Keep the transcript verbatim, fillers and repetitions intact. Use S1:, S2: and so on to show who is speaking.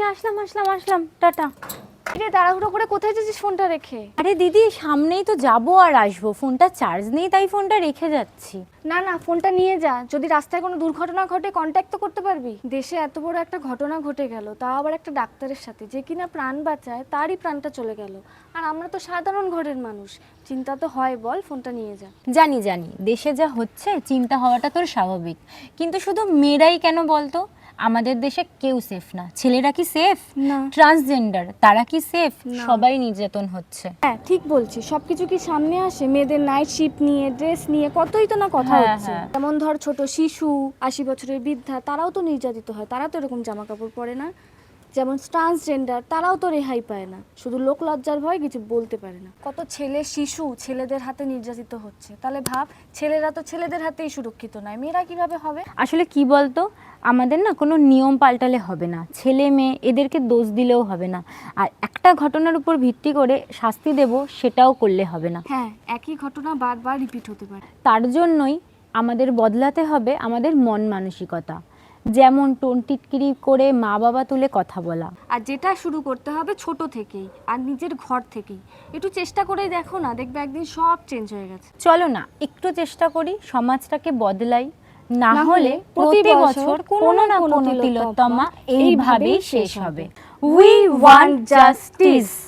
S1: আসলাম আসলাম আসলাম tata.
S2: রে তাড়াহুড়ো করে কোথায় যাচ্ছিস ফোনটা রেখে?
S1: আরে দিদি সামনেই তো যাবো আর আসবো, ফোনটা চার্জ নেই তাই ফোনটা রেখে যাচ্ছি।
S2: না না, ফোনটা নিয়ে যা, যদি রাস্তায় কোনো দুর্ঘটনা ঘটে কন্ট্যাক্ট তো করতে পারবি। দেশে এত বড় একটা ঘটনা ঘটে গেল, তাও আবার একটা ডাক্তারের সাথে, যে কিনা প্রাণ বাঁচায় তারই প্রাণটা চলে গেল। আর আমরা তো সাধারণ ঘরের মানুষ, চিন্তা তো হয়, বল, ফোনটা নিয়ে যা।
S1: জানি জানি দেশে যা হচ্ছে চিন্তা হওয়াটা তোর স্বাভাবিক, কিন্তু শুধু মেয়েরাই কেন বলতো? আমাদের দেশে কেউ সেফ না। ছেলেরা কি সেফ?
S2: না।
S1: ট্রান্সজেন্ডার তারা কি সেফ?
S2: না।
S1: সবাই নির্যাতন হচ্ছে।
S2: হ্যাঁ ঠিক বলছি, সবকিছু কি সামনে আসে? মেয়েদের নাইট শিফট নিয়ে, ড্রেস নিয়ে কতই তো না কথা
S1: হ্যাঁ,
S2: হচ্ছে।
S1: হ্যাঁ।
S2: যেমন ধর ছোট শিশু, আশি বছরের বৃদ্ধা, তারাও তো নির্যাতিত হয়, তারা তো এরকম জামা কাপড় পরে না। যেমন ট্রান্সজেন্ডার, তারাও তো রেহাই পায় না, শুধু লোক লজ্জার ভয় কিছু বলতে পারে না। কত ছেলে শিশু ছেলেদের হাতে নির্যাতিত হচ্ছে, তাহলে ভাব, ছেলেরা তো ছেলেদের হাতেই সুরক্ষিত নয়, মেয়েরা কিভাবে হবে?
S1: আসলে কি বলতো, আমাদের না কোনো নিয়ম পাল্টালে হবে না, ছেলে মেয়ে এদেরকে দোষ দিলেও হবে না, আর একটা ঘটনার উপর ভিত্তি করে শাস্তি দেব সেটাও করলে হবে না।
S2: হ্যাঁ, একই ঘটনা বারবার রিপিট হতে পারে।
S1: তার জন্যই আমাদের বদলাতে হবে আমাদের মন মানসিকতা, যেমন টোন টিটকিরি করে মা বাবা তুলে কথা বলা।
S2: আর যেটা শুরু করতে হবে ছোট থেকেই, আর নিজের ঘর থেকেই। একটু চেষ্টা করে দেখো না, দেখবে একদিন সব চেঞ্জ হয়ে গেছে।
S1: চলো না একটু চেষ্টা করি, সমাজটাকে বদলাই, না
S2: না
S1: হলে
S2: হলে
S1: প্রতি
S2: প্রতি
S1: বছর
S2: বছর
S1: কোনো না
S2: কোনো
S1: কোনো
S2: তিলোত্তমা
S1: তিলোত্তমা এইভাবেই
S2: এইভাবেই
S1: শেষ
S2: শেষ
S1: হবে।
S2: হবে।
S1: We want justice.